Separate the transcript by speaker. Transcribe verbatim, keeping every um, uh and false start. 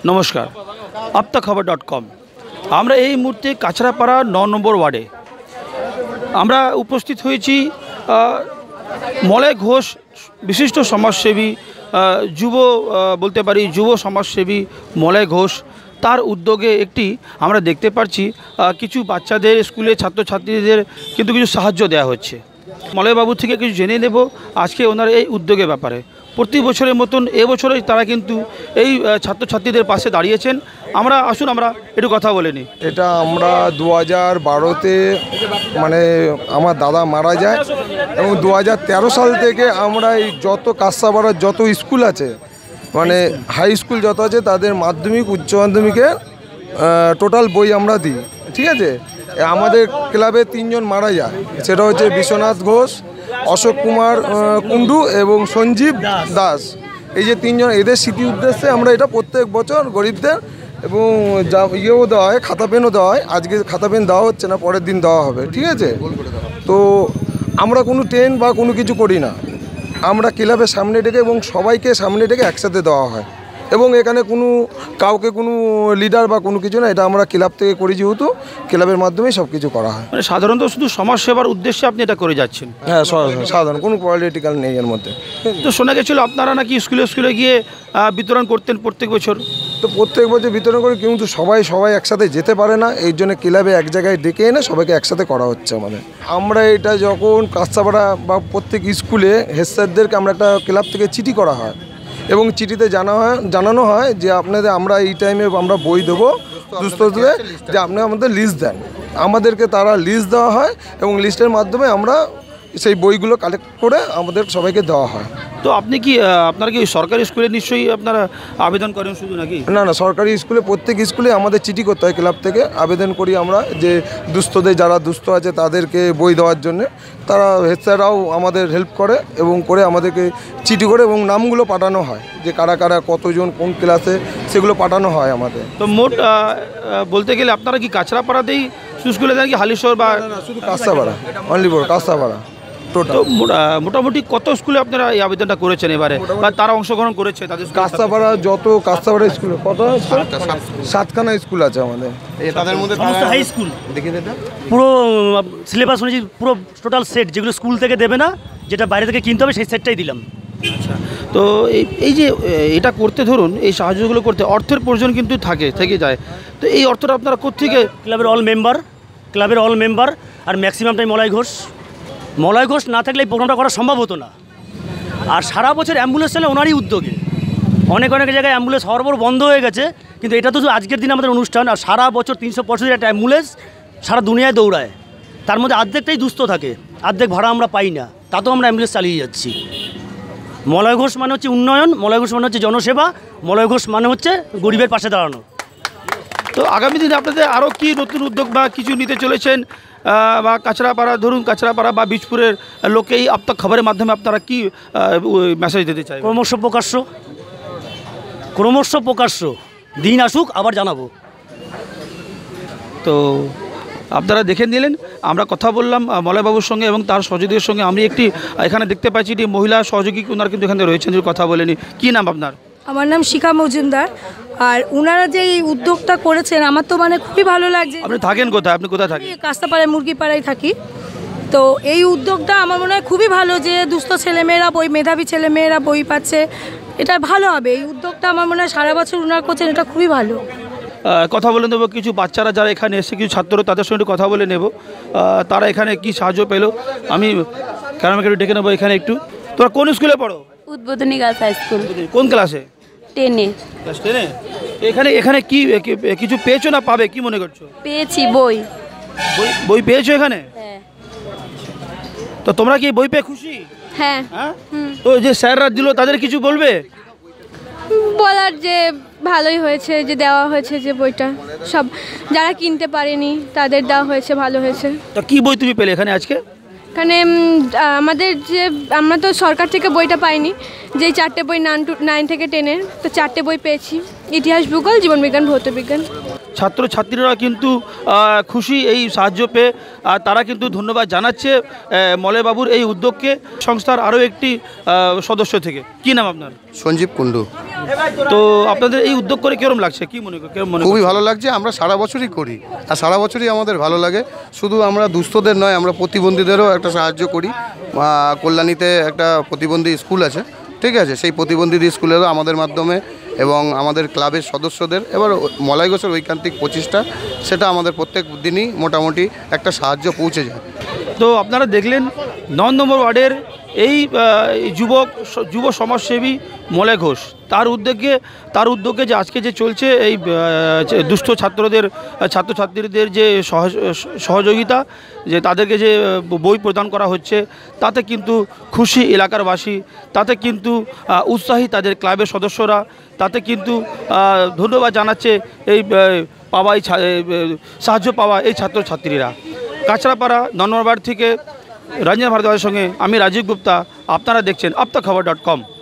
Speaker 1: নমস্কার, আপতা খবর dot com. আমরা এই মুহূর্তে কাছড়াপাড়া ন নম্বর ওয়ার্ডে আমরা উপস্থিত হয়েছি। মলয় ঘোষ বিশিষ্ট সমাজসেবী, যুব বলতে পারি যুব সমাজসেবী মলয় ঘোষ, তার উদ্যোগে একটি আমরা দেখতে পাচ্ছি কিছু বাচ্চাদের স্কুলে ছাত্রছাত্রীদের কিন্তু কিছু সাহায্য দেওয়া হচ্ছে। মলয়বাবু থেকে কিছু জেনে নেব আজকে ওনার এই উদ্যোগের ব্যাপারে। প্রতি বছরের মতন এবছরে তারা কিন্তু এই ছাত্রছাত্রীদের পাশে দাঁড়িয়েছেন। আমরা আসুন আমরা একটু কথা বলে নিই।
Speaker 2: এটা আমরা দু হাজার বারোতে মানে আমার দাদা মারা যায় এবং দু হাজার তেরো সাল থেকে আমরা এই যত কাছড়াপাড়ার যত স্কুল আছে, মানে হাই স্কুল যত আছে, তাদের মাধ্যমিক উচ্চ মাধ্যমিকের টোটাল বই আমরা দিই। ঠিক আছে, আমাদের ক্লাবে তিনজন মারা যায়, সেটা হচ্ছে বিশ্বনাথ ঘোষ, অশোক কুমার কুণ্ডু এবং সঞ্জীব দাস। এই যে তিনজন, এদের স্মৃতি উদ্দেশ্যে আমরা এটা প্রত্যেক বছর গরিবদের এবং যা ইয়েও দেওয়া হয়, খাতা পেনও দেওয়া হয়। আজকে খাতা পেন দেওয়া হচ্ছে না, পরের দিন দেওয়া হবে। ঠিক আছে, তো আমরা কোনো ট্রেন বা কোনো কিছু করি না, আমরা ক্লাবের সামনে ডেকে এবং সবাইকে সামনে ডেকে একসাথে দেওয়া হয়। এবং এখানে কোনো কাউকে কোনো লিডার বা কোনো কিছু না, এটা আমরা ক্লাব থেকে করি, যেহেতু ক্লাবের মাধ্যমেই সব কিছু করা হয়।
Speaker 1: মানে সাধারণত শুধু সমাজ সেবার উদ্দেশ্যে আপনি এটা করে যাচ্ছেন?
Speaker 2: হ্যাঁ, সাধারণ কোনো পলিটিক্যাল নেই এর মধ্যে।
Speaker 1: তো শোনা গেছিলো আপনারা নাকি স্কুলে স্কুলে গিয়ে বিতরণ করতেন প্রত্যেক বছর?
Speaker 2: তো প্রত্যেক বছর বিতরণ করি, কিন্তু সবাই সবাই একসাথে যেতে পারে না, এই জন্য ক্লাবে এক জায়গায় ডেকে এনে সবাইকে একসাথে করা হচ্ছে আমাদের। আমরা এটা যখন কাছড়াপাড়া বা প্রত্যেক স্কুলে হেড স্যারদেরকে আমরা একটা ক্লাব থেকে চিঠি করা হয় এবং চিঠিতে জানা হয় জানানো হয় যে আপনাদের আমরা এই টাইমে আমরা বই দেবো দুস্থদের, যে আপনি আমাদের লিস্ট দেন। আমাদেরকে তারা লিস্ট দেওয়া হয় এবং লিস্টের মাধ্যমে আমরা সেই বইগুলো কালেক্ট করে আমাদের সবাইকে দেওয়া হয়।
Speaker 1: তো আপনি কি আপনারা কি সরকারি স্কুলে নিশ্চয়ই আপনারা আবেদন করেন শুধু নাকি?
Speaker 2: না না, সরকারি স্কুলে প্রত্যেক স্কুলে আমাদের চিঠি করতে হয়, ক্লাব থেকে আবেদন করি আমরা যে দুস্থদের যারা দুস্থ আছে তাদেরকে বই দেওয়ার জন্য। তারা হেড স্যাররাও আমাদের হেল্প করে এবং করে আমাদেরকে চিঠি করে এবং নামগুলো পাঠানো হয়, যে কারা কারা কতজন কোন ক্লাসে, সেগুলো পাঠানো হয় আমাদের।
Speaker 1: তো মোট বলতে গেলে আপনারা কি কাছড়াপাড়াতেই স্কুলে দেন কি হালিশহর বা?
Speaker 2: শুধু কাছড়াপাড়া, অনলি ফর কাছড়াপাড়া।
Speaker 1: তো মোটামুটি কত স্কুলে আপনারা এই আবেদনটা করেছেন এবারে, বা তারা অংশগ্রহণ করেছে তাদের?
Speaker 2: কাছড়াপাড়া যত কাছড়াপাড়া স্কুল, কত সাতখানা স্কুল আছে আমাদের, তাদের মধ্যে
Speaker 3: হাই স্কুল পুরো সিলেবাস অনুযায়ী পুরো টোটাল সেট, যেগুলো স্কুল থেকে দেবে না, যেটা বাইরে থেকে কিনতে হবে, সেই সেটটাই দিলাম।
Speaker 1: আচ্ছা, তো এই যে এটা করতে ধরুন এই সাহায্যগুলো করতে অর্থের প্রয়োজন কিন্তু থাকে থেকে যায়, তো এই অর্থটা আপনারা কোত্থেকে?
Speaker 3: ক্লাবের অল মেম্বার ক্লাবের অল মেম্বার আর ম্যাক্সিমামটাই মলয় ঘোষ। মলয় ঘোষ না থাকলে এই প্রোগ্রামটা করা সম্ভব হতো না। আর সারা বছর অ্যাম্বুলেন্স চলে ওনারই উদ্যোগে। অনেক অনেক জায়গায় অ্যাম্বুলেন্স সরবর বন্ধ হয়ে গেছে, কিন্তু এটা তো আজকের দিন আমাদের অনুষ্ঠান। আর সারা বছর তিনশো পঁয়ষট্টি একটা অ্যাম্বুলেন্স সারা দুনিয়ায় দৌড়ায়, তার মধ্যে অর্ধেকটাই দুস্থ থাকে, অর্ধেক ভাড়া আমরা পাই না, তাতেও আমরা অ্যাম্বুলেন্স চালিয়ে যাচ্ছি। মলয় ঘোষ মানে হচ্ছে উন্নয়ন, মলয় ঘোষ মানে হচ্ছে জনসেবা, মলয় ঘোষ মানে হচ্ছে গরিবের পাশে দাঁড়ানো।
Speaker 1: তো আগামী দিনে আপনাদের আরও কি নতুন উদ্যোগ বা কিছু নিতে চলেছেন, বা কাছড়াপাড়া ধরুন কাছড়াপাড়া বা বীজপুরের লোকে এই আপতা খবরের মাধ্যমে আপনারা কি মেসেজ দিতে চাই?
Speaker 3: ক্রমশ প্রকাশ্য ক্রমশ প্রকাশ্য দিন আসুক, আবার জানাবো।
Speaker 1: তো আপনারা দেখে নিলেন, আমরা কথা বললাম মলয়বাবুর সঙ্গে এবং তার সহযোগীদের সঙ্গে। আমি একটি এখানে দেখতে পাচ্ছি এটি মহিলা সহযোগী, ওনারা কিন্তু এখানে রয়েছেন, যে কথা বলেনি। কী নাম আপনার?
Speaker 4: আমার নাম শিখা মজুমদার। আর ওনারা যে এই উদ্যোগটা করেছেন আমার তো মানে খুবই ভালো লাগছে।
Speaker 1: আপনি থাকেন কোথায়? আপনি কোথায় থাকেন?
Speaker 4: কাছড়াপাড়ায় মুরগিপাড়ায় থাকি। তো এই উদ্যোগটা আমার মনে হয় খুবই ভালো, যে দুস্থ ছেলেমেয়েরা বই, মেধাবী ছেলেমেয়েরা বই পাচ্ছে, এটা ভালো হবে। এই উদ্যোগটা আমার মনে হয় সারা বছর ওনারা করছেন, এটা খুবই ভালো।
Speaker 1: কথা বলে নেব কিছু বাচ্চারা যারা এখানে এসে, কিছু ছাত্র, তাদের সঙ্গে কথা বলে নেব তারা এখানে কি সাহায্য পেলো। আমি কারণ আমাকে একটু ডেকে নেবো এখানে একটু। তোরা কোন স্কুলে পড়ো?
Speaker 5: উদ্বোধনী গার্লস হাই স্কুল।
Speaker 1: কোন ক্লাসে? টেনে। ক্লাস টেনে। এখানে এখানে কি কিছু পেয়েছো না পাবে, কি মনে করছো?
Speaker 5: পেয়েছি বই।
Speaker 1: বই বই পেয়েছো এখানে?
Speaker 5: হ্যাঁ।
Speaker 1: তো তোমরা কি বই পেয়ে খুশি?
Speaker 5: হ্যাঁ।
Speaker 1: হ্যাঁ, তো যে স্যাররা দিল তাদের কিছু বলবে?
Speaker 5: বলার যে ভালোই হয়েছে যে দেওয়া হয়েছে, যে বইটা সব যারা কিনতে পারেনি তাদের দেওয়া হয়েছে, ভালো হয়েছে।
Speaker 1: তো কি বই তুমি পেলে এখানে আজকে?
Speaker 5: এখানে আমাদের যে আমরা তো সরকার থেকে বইটা পাইনি, যেই চারটে বই নাইন টু নাইন থেকে টেনের, তো চারটে বই পেয়েছি, ইতিহাস, ভূগোল, জীবনবিজ্ঞান, ভৌতবিজ্ঞান।
Speaker 1: ছাত্রছাত্রীরা কিন্তু খুশি এই সাহায্য পেয়ে, আর তারা কিন্তু ধন্যবাদ জানাচ্ছে মলয়বাবুর এই উদ্যোগকে, সংস্থার আরও একটি সদস্য থেকে। কি নাম আপনার?
Speaker 6: সঞ্জীব কুণ্ডু।
Speaker 1: তো আপনাদের এই উদ্যোগ করে কেরম লাগছে, কি মনে করেন, কেরম মনে
Speaker 6: খুবই
Speaker 1: করছেন?
Speaker 6: ভালো লাগছে। আমরা সারা বছরই করি, আর সারা বছরই আমাদের ভালো লাগে। শুধু আমরা দুস্থদের নয়, আমরা প্রতিবন্ধীদেরও একটা সাহায্য করি। আহ, কল্যাণীতে একটা প্রতিবন্ধী স্কুল আছে, ঠিক আছে, সেই প্রতিবন্ধী স্কুলেরও আমাদের মাধ্যমে এবং আমাদের ক্লাবের সদস্যদের, এবার মলাই ঘোষের ঐকান্তিক প্রচেষ্টা, সেটা আমাদের প্রত্যেক দিনই মোটামুটি একটা সাহায্য পৌঁছে যায়।
Speaker 1: তো আপনারা দেখলেন ন নম্বর ওয়ার্ডের এই আহ, এই যুবক যুব সমাজসেবী মলয় ঘোষ, তার উদ্যোগে তার উদ্যোগে যে আজকে যে চলছে এই আহ, যে দুস্থ ছাত্রদের ছাত্রছাত্রীদের যে সহজ- সহযোগিতা, যে তাদেরকে যে বই প্রদান করা হচ্ছে, তাতে কিন্তু খুশি এলাকারবাসী, তাতে কিন্তু আহ, উৎসাহী তাদের ক্লাবের সদস্যরা, তাতে কিন্তু আহ, ধন্যবাদ জানাচ্ছে এই আহ, পাওয়া এই ছা- এই, আহ, সাহায্য পাওয়া এই ছাত্রছাত্রীরা। কাঁচরাপাড়া ন নম্বর ওয়ার্ড থেকে রঞ্জন ভারদ্বাজের সঙ্গে আমি রাজীব গুপ্তা, আপনারা দেখছেন আপ তক খবর ডট কম।